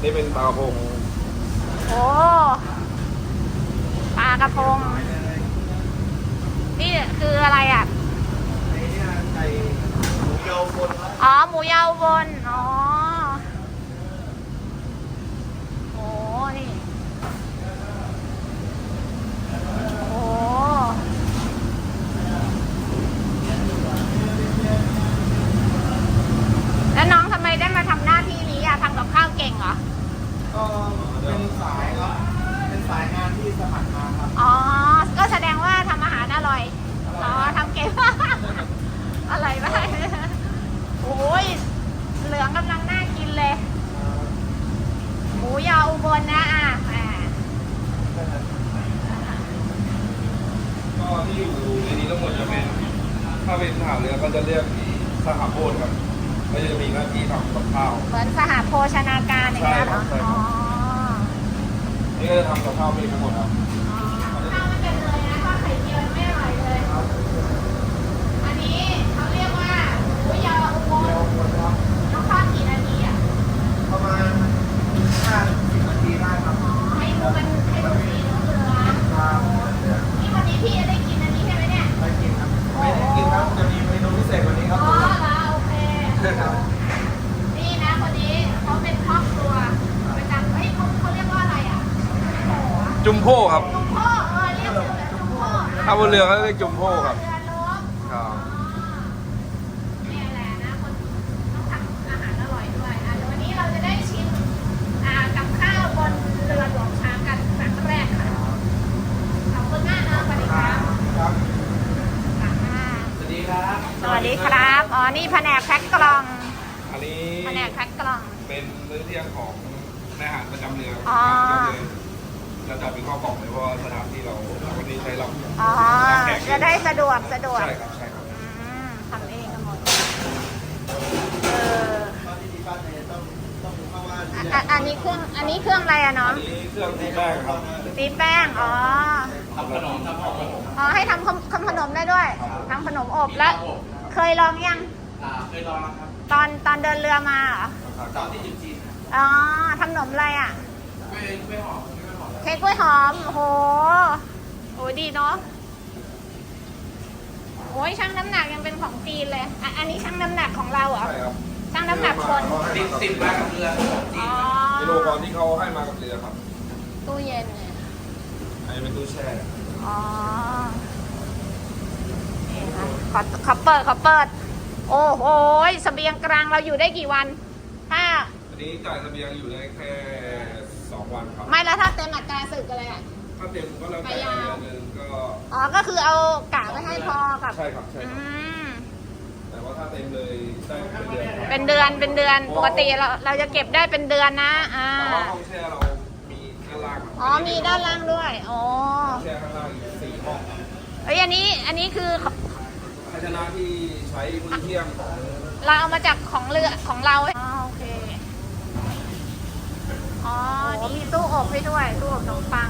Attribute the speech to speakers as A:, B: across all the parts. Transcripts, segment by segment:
A: นี่เป็นปลากระพง
B: โอ้ปลากระพงนี่คืออะไรอ่ะ
A: ไก่หมูเยาบน
B: อ๋อหมูยาวบนอ๋อโอ้นี่โอ้แล้วน้องทำไมได้มาทำหน้าที่นี้อ่ะทำกับข้าวเก่งเหรอ
A: ก็เป็นสายครับเป็นสายงานที่สมัครมาครับ
B: อ๋อก็แสดงว่าทำอาหารอร่อยอ๋อทำเก่งอร่อยมากโอ้ยเหลืองกำลังน่ากินเลยหมูยออุบลนะ
A: ก็ที่อยู่ในนี้ทั้งหมดจะเป็นถ้าเป็นทหารเรือก็จะเรียกสหโภชครับก็จะมีหน้าที่ทำกับข้าว
B: เหมือนสหโภชนาการอย่างเงี้ยเหรออ๋อ
A: นี่ก็จะทำกับข้าวเองทั้งหมดครับ
B: ข้าวไม่เป็นเลยนะทอดไข่เจียวไม่อร่อยเลยอันนี้เขาเรียกว่าหมูยออุบลต้องทอดกี่นาทีอ่ะ
A: ประมาณ50 นาทีได้ครับ
B: ให้ดูสีเหลืองนี่วันนี้พี่จะได้กินอันนี้ใช่ไหมเนี่ย
A: ได้กินครับไม่ได้กินครับจะมีเมนูพิเศษกว่านี้ครับ
B: อ๋อแล้วโอเคนี่นะคนนี้เขาเป็นครอบครัวประจำเฮ้ยเขาเรียกว่าอะไรอ่ะ
A: จุมโพครับ
B: จุมโพเรียกจุมโพ
A: ถ้าบนเรือเขาเรียกจุมโพครับ
B: เรือลบ
A: ครับ
B: นี่แหละนะคนต้องทำอาหารอร่อยด้วยเดี๋ยววันนี้เราจะได้ชิมกับข้าวบนเรือหลวงช้างกันครั้งแรกค่ะขอบคุณมากนะสวัสดีครับ
A: สวัสดีครับ
B: สวัสดีครับอ๋อนี่แผนกแพ็คกล่อง
A: อันนี้
B: แผนกแพ็คกล่อง
A: เป็นมื้อเที่ยงของนายทหารประจำเรือจะจัดเป็นข้าวกล่องเลยเพราะว่าสถานที่เราวันนี้ใช้ลำ
B: จะได้สะดวก
A: ใช่ครับใช่ครับ
B: ทำเองกันหมดอันนี้เครื่องอะไรอะน้อง
A: อันนี้เครื่องตีแป้งครับ
B: ตีแป้งอ๋อ
A: ทำขนม
B: ให้ทำขนมได้ด้วยทำขนมอบแล้วเคยลองยัง
A: เคยลองครับ
B: ตอนเดินเรือมาเหรอ
A: ตอนที่อยู่จีน
B: อ๋อทำขนมอะไรอ่ะเค้กกล้วยหอมโอ้โหดีเนาะโอ้ยช่างน้ำหนักยังเป็นของจีนเลยอันนี้ช่างน้ำหนักของเราเหรอ
A: ใช่ครับ
B: ช่างน้ำหนักคน
A: ติดมากับเรือกิโลกรัมที่เขาให้มากับเรือครับ
B: ตู้เย็นเนี่ย
A: อันนี้เป็นตู้แช่
B: อ๋อนี่ค่ะเขาเปิดโอ้โหเสบียงกลางเราอยู่ได้กี่วันถ้า
A: อันนี้จ่ายเสบียงอยู่ได้แค่2 วันครับ
B: ไม่แล้วถ้าเต็มอัตราศึกอะไรอ่ะ
A: ถ้าเต็มก็แล้วแต่เดือนนึงก็
B: ก็คือเอากะไว้ให้พอกับ
A: ใช่ครับแต่ว่าถ้าเต็มเลยได้
B: เป็นเดือนปกติเราจะเก็บได้เป็นเดือนนะ
A: แต่ว่าห้องแช่เรามีด้านล่าง
B: มีด้านล่างด้วย
A: แช่ข้างล่างอีก4 ห้อง
B: อันนี้คือ
A: ภาชนะที่ใช้มื้อเที่ยงของ
B: เราเอามาจากของเรือของเราโอเคนี่มีตู้อบให้ด้วยตู้อบขนมปัง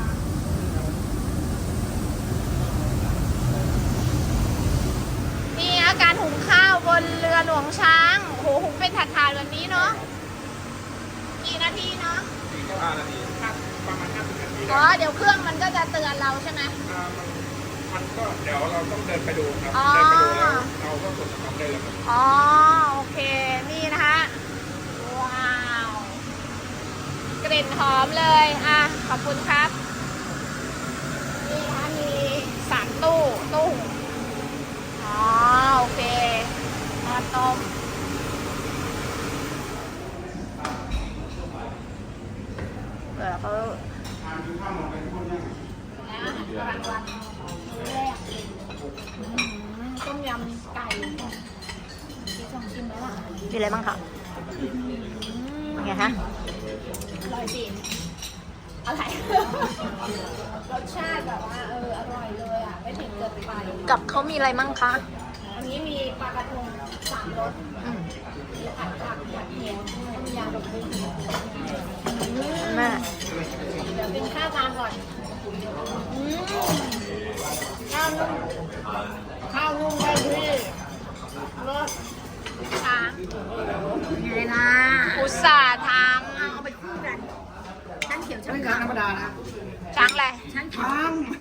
B: นี่การหุงข้าวบนเรือหลวงช้างโหหุงเป็นถาดๆแบบนี้เนาะกี่นาทีเนาะ
A: 45 นาทีครับประมาณ50 นาที
B: เดี๋ยวเครื่องมันก็จะเตือนเราใช่ไหม
A: มันก็เดี๋ยวเราต้องเดินไปดูครับเดินไปดูแล้วเราก็กดสต็อปได้เลยครับ
B: โอเคนี่นะคะว้าวกลิ่นหอมเลยขอบคุณครับนี่นะคะมี3 ตู้โอเคมาต้มเขาต้มยำไก่ที่ลองชิมแล้วมีอะไรบ้างคะไงคะอร่อยจริงอะไรรสชาติแบบว่าอร่อยเลยไม่ถึงเกินไปกับเขามีอะไรมั่งคะอันนี้มีปลากระพง3 รสมีผัดเหี่ยวต้มยำแบบนี้แม่เดี๋ยวกินข้าวตามก่อนข้าวนุ่มได้ที่รสช้างไงล่ะอุตส่าห์ทำเอาไปคู่กัน
C: ไม่ช้างธรรมดานะ
B: ช้างอะไร
C: ช้าง